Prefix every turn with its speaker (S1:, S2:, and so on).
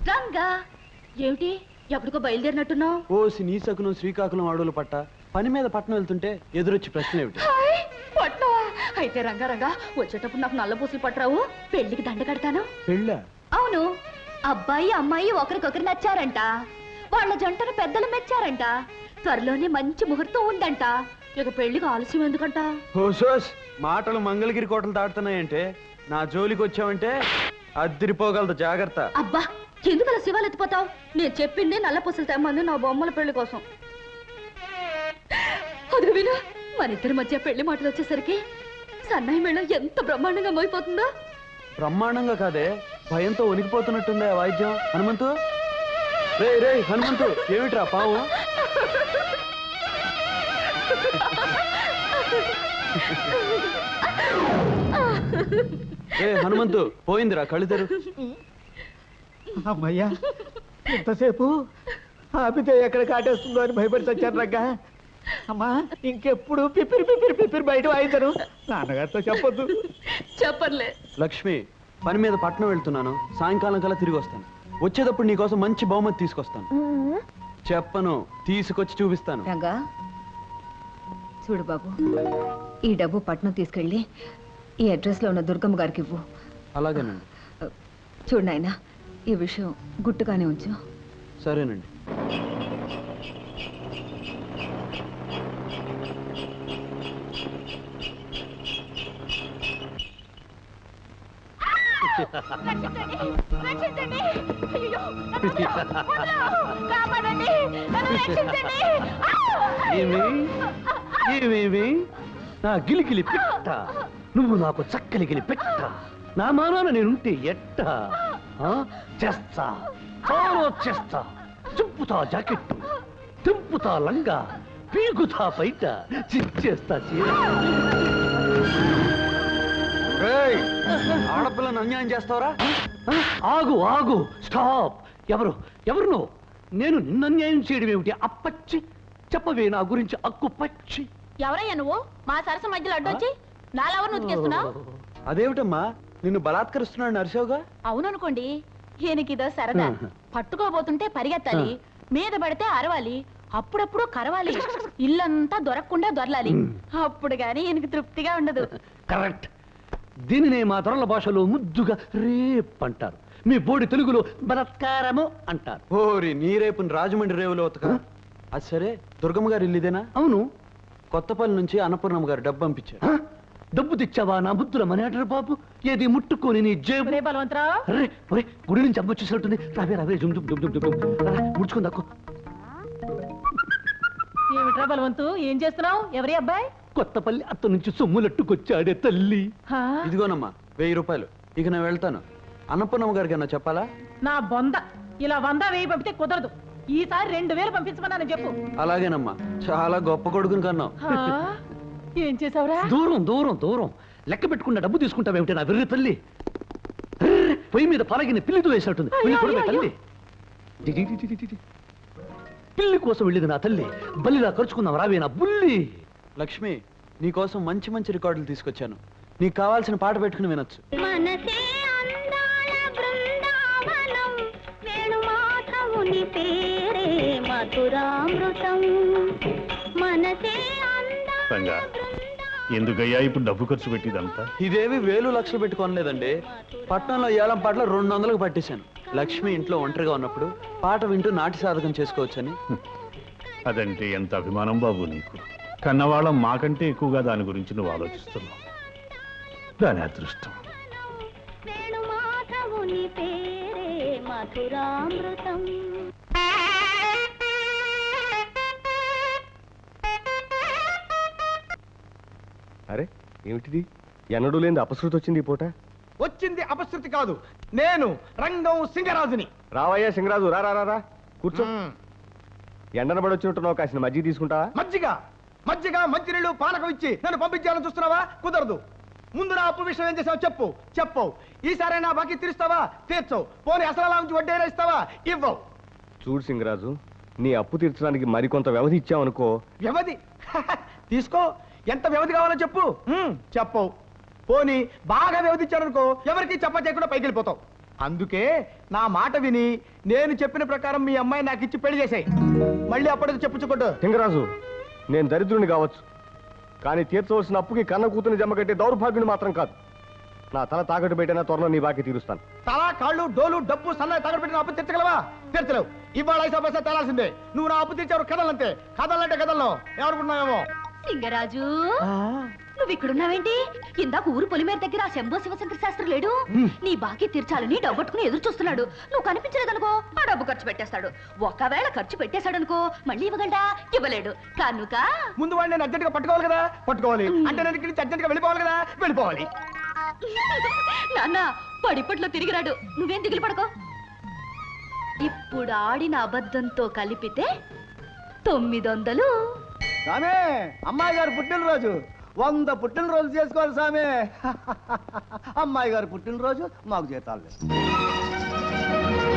S1: రంగా ఏమిటి ఎప్పటికో బయలుదేరినట్టున్నావు?
S2: ఓ శ్రీకాకుళం శ్రీకాకుళం అడవులు పట్ట పని మీద పట్టణం వెళ్తుంటే ఎదురొచ్చి ప్రశ్న ఏమిటి?
S1: పట్నవా? అయితే రంగా రంగా వచ్చేటప్పుడు నాకు నల్ల పూసలు పట్టరావు, పెళ్లికి దండ కడతాను.
S2: పెళ్ళ?
S1: అవును, అబ్బాయి అమ్మాయి ఒకరికొకరు నచ్చారంట, వాళ్ళ జంటను పెద్దలు మెచ్చారంట, త్వరలోనే మంచి ముహూర్తం ఉందంట. ఇక పెళ్లికి ఆలస్యం ఎందుకంట?
S2: హోసోస్ మాటలు మంగళగిరి కోటలు దాటుతున్నాయంటే నా జోలికి వచ్చావంటే అద్దిరిపోగలదు, జాగ్రత్త.
S1: అబ్బా ఎందుకు అలా శివాలు ఎత్తిపోతావు? నేను చెప్పింది నల్ల పూసలు తెమ్మంది నా బొమ్మల పెళ్లి కోసం. అది విను, మన ఇద్దరి మధ్య పెళ్లి మాటలు వచ్చేసరికి సన్నాయి మేళం ఎంత బ్రహ్మాండంగా మోయిపోతుందో.
S2: బ్రహ్మాండంగా కాదే, భయంతో వణికిపోతున్నట్టుందే వాయిద్యం. హనుమంతు, రే రే హనుమంతు, ఏమిట్రా పావు? ఏ హనుమంతు, పోయిందిరా కళ్ళిద్దరు.
S3: అమ్మయ్యా, ఎంతసేపు ఆపితే ఎక్కడ కాటేస్తుందో అని భయపడి చచ్చాను రంగా. అమ్మా ఇంకెప్పుడు పిపిరి పిపిరి పిపిరి బయట వాయించను, నాన్నగారితో చెప్పొద్దు.
S1: చెప్పర్లే.
S2: లక్ష్మి, పని మీద పట్నం వెళ్తున్నాను, సాయంకాలం కల్లా తిరిగి వస్తాను. వచ్చేటప్పుడు నీకోసం మంచి బహుమతి తీసుకొస్తాను. చెప్పను, తీసుకొచ్చి చూపిస్తాను.
S4: రంగా చూడు బాబు, ఈ డబ్బు పట్నం తీసుకెళ్ళి ఈ అడ్రస్ లో ఉన్న దుర్గమ్మ గారికి ఇవ్వు.
S2: అలాగేనండి.
S4: చూడు నాయనా, ఈ విషయం గుట్టుగానే ఉంచు.
S2: సరేనండి.
S5: నా గిలిగిలి పెట్ట, నువ్వు నాకు చక్కలిగిలి పెట్ట, నా మానాన నేనుంటే ఎట్ట చేస్తా, చాలా చేస్తా. చింపుతా జాకెట్టు, తింపుతా లంగా, పీకుతా బయట, చిచ్చేస్తా చీర.
S2: ఆడపిల్లను అన్యాయం చేస్తావరా?
S5: ఆగు ఆగు, స్టాప్. ఎవరు ఎవరు నువ్వు? నేను నిన్ను అన్యాయం చేయడం ఏమిటి? అప్పచ్చి చెప్పవే నా గురించి అక్కు పచ్చి.
S1: ఎవరయ్యా నువ్వు? మా సరస మధ్యలో అడ్డొచ్చి నాలెవరు నుతికేస్తున్నావు?
S2: అదేమిటమ్మా, నిన్ను బలాత్కరిస్తున్నాడు నరసోగా?
S1: అవుననుకోండి, ఈయనకిదో సరదా. పట్టుకోబోతుంటే పరిగెత్తాలి, మీద పడితే అరవాలి, అప్పుడప్పుడు కరవాలి, ఇల్లంతా దొరకకుండా దొరలాలి. అప్పుడు గాని ఈయనకి తృప్తిగా ఉండదు.
S5: కరెక్ట్. దీనినే మా దొరల భాషలో ముద్దుగా రేప్ అంటారు, మీ బోడి తెలుగులో బలత్కారము అంటారు.
S2: ఓరి నీ రేపుని రాజమండ్రి రేవులో ఉతక. అది సరే, దుర్గమ్మ గారు ఇల్లుదేనా?
S5: అవును.
S2: కొత్తపల్లి నుంచి అన్నపూర్ణమ్మ గారు డబ్బు పంపించారు.
S5: డబ్బు తెచ్చావా నా బుద్ధుల మనేటరు బాబు? ఏది ముట్టుకొని నీ జేబు. గుడి నుంచి అమ్మ వచ్చేసినట్టుంది. రావే రావే, జుమ్ జుమ్ జుమ్ జుమ్ ముడుచుకుని దక్కు.
S1: ఏమిట్రా బలవంతు, ఏం చేస్తున్నావు? ఎవరి అబ్బాయి?
S5: కొత్తపల్లి అత్త నుంచి సొమ్ములట్టుకొచ్చాడే తల్లి.
S2: ఇదిగోనమ్మా 1000 రూపాయలు. ఇక నేను వెళ్తాను. అన్నపూర్ణమ్మ గారికి అన్నా చెప్పాలా?
S6: నా బొంద, ఇలా 100 1000 పంపితే కుదరదు. ఈసారి 2000 పంపించమన్నాను చెప్పు.
S2: అలాగేనమ్మా, చాలా గొప్ప కొడుకుని కన్నావు.
S6: ఏం చేసావురా?
S5: దూరం దూరం దూరం లెక్క పెట్టుకున్న డబ్బు తీసుకుంటావేమిటి నా వెర్రి తల్లి? పొయ్యి మీద పలగిన పిల్లితో వేసినట్టుంది. తల్లి, పిల్లి కోసం వెళ్ళేది నా తల్లి. బల్లిలా ఖర్చుకుందాం రావే నా బుల్లి.
S2: లక్ష్మి, నీకోసం మంచి మంచి రికార్డులు తీసుకొచ్చాను. నీకు కావాల్సిన పాట పెట్టుకుని వినొచ్చు.
S7: ఎందుకయ్యా ఇప్పుడు డబ్బు ఖర్చు పెట్టిదంతా?
S2: ఇదేవి 1000 లక్షలు పెట్టుకోనలేదండి. పట్నంలో ఏలం పాటలు 200కు పట్టేశాను. లక్ష్మి ఇంట్లో ఒంటరిగా ఉన్నప్పుడు పాట వింటూ నాటి సాధకం చేసుకోవచ్చని.
S7: అదంటే ఎంత అభిమానం బాబు నీకు. కన్నవాళ్ళం మాకంటే ఎక్కువగా దాని గురించి నువ్వు ఆలోచిస్తున్నావు. దాని అదృష్టం.
S3: అరే ఏమిటిది? ఎన్నడూ లేని అపశృతి వచ్చింది ఈ పూట.
S8: వచ్చింది అపశృతి కాదు, నేను రంగం సింగరాజుని.
S3: రావయ్యా సింగరాజు, రా రా రా కూర్చో. ఎండన పడి వచ్చినట్టున్నావు, కాసిన మజ్జిగ తీసుకుంటావా?
S8: మజ్జిగ మజ్జిగ మంచినీళ్ళు పానకం ఇచ్చి నన్ను పంపించాలని చూస్తున్నావా? కుదరదు. ముందు నా అప్పు విషయం ఏం చేసావు చెప్పు. చెప్పవు. ఈసారి నా బాకీ తీరుస్తావా? తీర్చవు. పోనీ అసలు నుంచి వడ్డీ ఇస్తావా? ఇవ్వవు.
S3: చూడు సింగరాజు, నీ అప్పు తీర్చడానికి మరికొంత వ్యవధి ఇచ్చావనుకో.
S8: వ్యవధి తీసుకో. ఎంత వ్యవధి కావాలో చెప్పు. చెప్పవు. పోనీ బాగా వ్యవధి ఇచ్చారనుకో, ఎవరికి చెప్ప చేయకుండా పైకి వెళ్ళిపోతావు. అందుకే నా మాట విని నేను చెప్పిన ప్రకారం మీ అమ్మాయి నాకు ఇచ్చి పెళ్లి చేసాయి. మళ్ళీ అప్పటికి చెప్పుచ్చుకోడు.
S9: లింగరాజు, నేను దరిద్రుని కావచ్చు, కానీ తీర్చవలసిన అప్పుకి కన్న కూతుని జమ కట్టే దౌర్భాగ్యుని మాత్రం కాదు. నా తల తాకట్టు పెట్టినా త్వరలో నీ బాకీ తీరుస్తాను.
S8: తల, కాళ్ళు, డోలు, డబ్బు, సన్నాయి తగడు పెట్టిన అప్పు తీర్చగలవా? తీర్చలేవు. ఇవాళ 5 పైసా తేలాల్సిందే. నువ్వు నా అప్పు తీర్చావు. కథలంతే. కథలంటే కథల్లో ఎవరుకున్నావేమో.
S1: లింగరాజు నువ్వు ఇక్కడున్నావేంటి? ఇందాక ఊరు పొలిమేర దగ్గర ఆ శంభో శివశంకర శాస్త్రి లేడు? నీ బాకీ తీర్చాలని డబ్బట్టుకుని ఎదురు చూస్తున్నాడు. నువ్వు కనిపించలేదనుకో ఆ డబ్బు ఖర్చు పెట్టేస్తాడు. ఒకవేళ ఖర్చు పెట్టేశాడనుకో మళ్ళీ ఇవ్వగలడా? ఇవ్వలేడు కనుక
S8: ముందు వాడిని నేను అర్జెంట్గా పట్టుకోవాలి కదా. పట్టుకోవాలి అంటే నేను ఇక్కడి నుంచి అర్జెంట్గా వెళ్ళిపోవాలి కదా. వెళ్ళిపోవాలి.
S1: నాన్న పడిపట్లో తిరిగిరాడు. నువ్వేం దిగులు పడుకో. ఇప్పుడు ఆడిన అబద్ధంతో కలిపితే 900.
S8: సామే, అమ్మాయి గారు పుట్టినరోజు 100 పుట్టినరోజు చేసుకోవాలి సామే. అమ్మాయి గారు పుట్టినరోజు మాకు జీతాలు లేదు.